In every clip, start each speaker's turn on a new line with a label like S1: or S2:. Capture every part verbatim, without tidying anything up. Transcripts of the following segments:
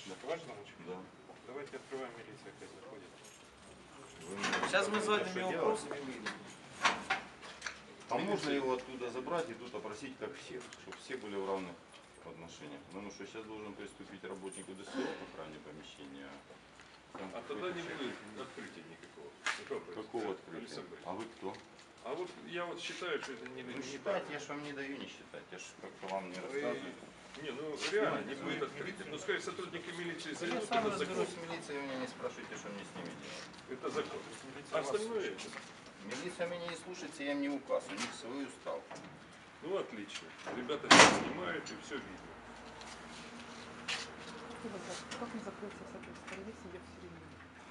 S1: Ваш замочек?
S2: Да.
S1: Давайте открываем, милиция опять заходит.
S3: Сейчас мы звоним его вопросами выйдем.
S2: А можно его оттуда забрать и тут опросить как всех, чтобы все были в равных отношениях? Потому что сейчас должен приступить работник УДСО по охране помещения. Там
S4: А тогда не будет открытия никакого.
S2: Какого открытия? А вы кто?
S4: А вот я вот считаю, что это не...
S2: Ну
S4: не
S2: считать, я же вам не даю не считать, я же как-то вам не рассказываю.
S4: Не, ну реально не будет открытия. Ну скажем, сотрудники милиции
S2: Я
S4: зайдут,
S2: сам
S4: это закон.
S2: разберусь с милицией, вы меня не спрашивайте, что мне с ними делать.
S4: Это закон. А остальное...
S2: Милиция меня не слушается, я им не указ, у них свой устав.
S4: Ну отлично. Ребята сейчас снимают и все видно.
S5: Как не закрылся с этой стороны, сидя в середине?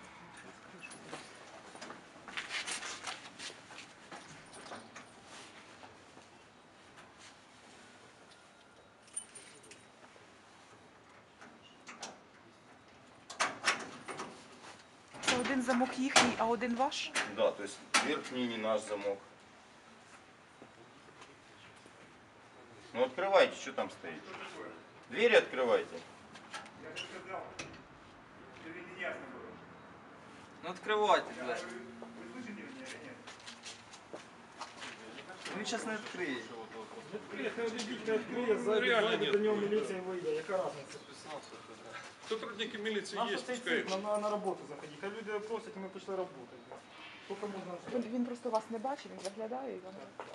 S5: Це один замок їхній, а один ваш?
S2: Да, то есть верхний не наш замок. Ну открывайте, что там стоит? Двери открывайте.
S1: Я же сказал, тебе не ясно было.
S3: Ну открывайте двері.
S1: Вы слышите меня или нет?
S3: Він зараз не відкриє.
S6: Відкриє, хай відійдіть, відкриє,
S4: Ну, реально
S6: зайде
S4: нет.
S6: до нього міліція вийде, яка разниця?
S4: Сотрудники милиции
S6: Наша
S4: есть,
S6: цей
S4: пускай.
S6: цирк, на, на, на роботу заходить. Хай люди просять, і ми пішли працювати. Тільки можна...
S5: Він, він просто вас не бачить, він заглядає і вам.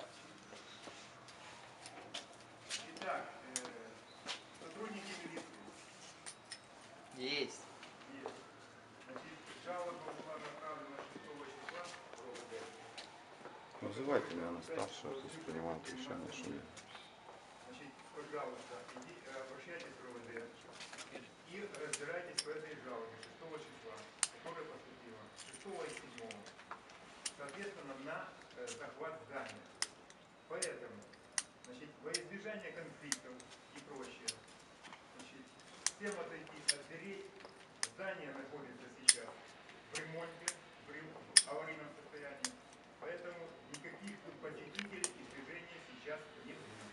S1: Итак, э, сотрудники милиции.
S3: Єсть.
S1: Есть. Значит, жалоба была направлена шестого числа в РОВД.
S2: Вызывайте меня на старшего, пусть принимает решение, что я.
S1: Значит, пожалуйста, иди, э, обращайтесь в РОВД и разбирайтесь в этой жалобе шестого числа, которая поступила шестого и седьмого. Соответственно, на э, захват здания. Поэтому, значит, во избежание конфликтов и прочее, значит, всем отойти от дверей. Здание находится сейчас в ремонте, в рем- в аварийном состоянии, поэтому никаких тут посетителей и движения сейчас не будет.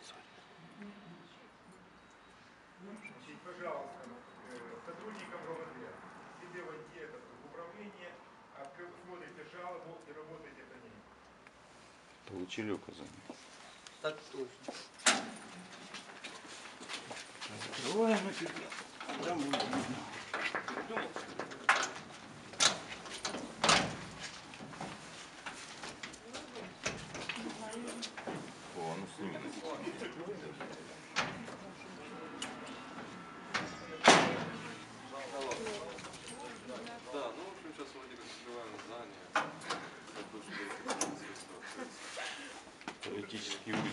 S1: Значит, пожалуйста, э, сотрудникам РОВД, себе войти это в управление, откры- смотрите жалобу и работайте по ней.
S2: Получили указание?
S3: Так точно.
S2: Закрываем и пидем. Там будет видно. О, ну сними.
S4: Да, ну в общем сейчас вроде как открываем здание.
S2: Теоретически